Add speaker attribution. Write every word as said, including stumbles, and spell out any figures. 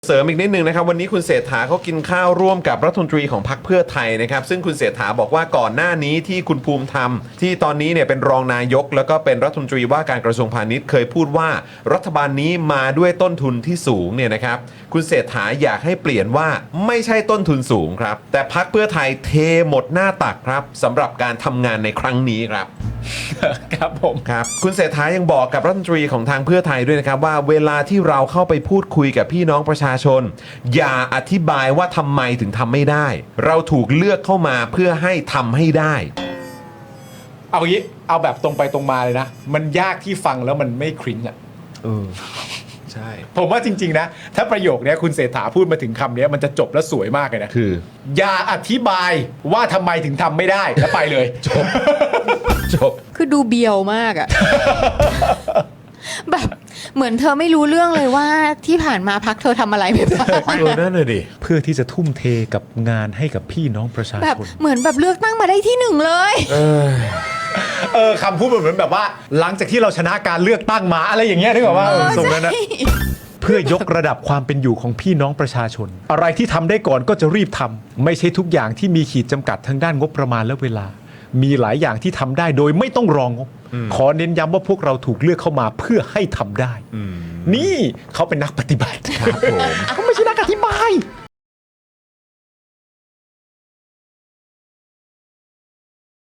Speaker 1: เสริมอีกนิดนึงนะครับวันนี้คุณเศรษฐาเขากินข้าวร่วมกับรัฐมนตรีของพรรคเพื่อไทยนะครับซึ่งคุณเศรษฐาบอกว่าก่อนหน้านี้ที่คุณภูมิธรรมที่ตอนนี้เนี่ยเป็นรองนายกแล้วก็เป็นรัฐมนตรีว่าการกระทรวงพาณิชย์เคยพูดว่ารัฐบาลนี้มาด้วยต้นทุนที่สูงเนี่ยนะครับคุณเศรษฐาอยากให้เปลี่ยนว่าไม่ใช่ต้นทุนสูงครับแต่พรรคเพื่อไทยเทหมดหน้าตักครับสำหรับการทำงานในครั้งนี้ครับ
Speaker 2: ครับผม
Speaker 1: ครับคุณเศรษฐายังบอกกับรัฐมนตรีของทางเพื่อไทยด้วยนะครับว่าเวลาที่เราเข้าไปพูดคุยกับพี่น้องประชาชน อย่าอธิบายว่าทำไมถึงทำไม่ได้ เราถูกเลือกเข้ามาเพื่อให้ทำให้ได้
Speaker 2: เอางี้เอาแบบตรงไปตรงมาเลยนะ มันยากที่ฟังแล้วมันไม่คริ้นอ่ะ
Speaker 1: เออใช่
Speaker 2: ผมว่าจริงๆนะถ้าประโยคนี้คุณเศรษฐาพูดมาถึงคำนี้มันจะจบแล้วสวยมากเลยนะ
Speaker 1: คือ
Speaker 2: อย่าอธิบายว่าทำไมถึงทำไม่ได้แล้วไปเลยจบ
Speaker 1: จบ
Speaker 3: คือดูเบียวมากอะ แบบเหมือนเธอไม่รู้เรื่องเลยว่าที่ผ่านมาพักเธอทำอะไรไปบ้าง
Speaker 1: เออนั่นเลยดิ
Speaker 4: เพื่อที่จะทุ่มเทกับงานให้กับพี่น้องประชา
Speaker 3: แบบ
Speaker 4: ชน
Speaker 3: เหมือนแบบเลือกตั้งมาได้ที่หนึ่งเลย
Speaker 2: เออคำพูดเหมือนแบบว่า หลังจากที่เราชนะการเลือกตั้งมาอะไรอย่างเงี้ยนึกออกว่า
Speaker 3: เออ
Speaker 2: ส่งนั้นนะ
Speaker 3: ใช่
Speaker 4: เพื่อยกระดับความเป็นอยู่ของพี่น้องประชาชน อะไรที่ทำได้ก่อนก็จะรีบทำไม่ใช่ทุกอย่างที่มีขีดจำกัดทางด้านงบประมาณและเวลา มีหลายอย่างที่ทำได้โดยไม่ต้องรองงบขอเน้นย้ำว่าพวกเราถูกเลือกเข้ามาเพื่อให้ทำได้ นี่เขาเป็นนักปฏิบัติ
Speaker 1: ครับผม
Speaker 4: เขาไม่ใช่นักอธิบาย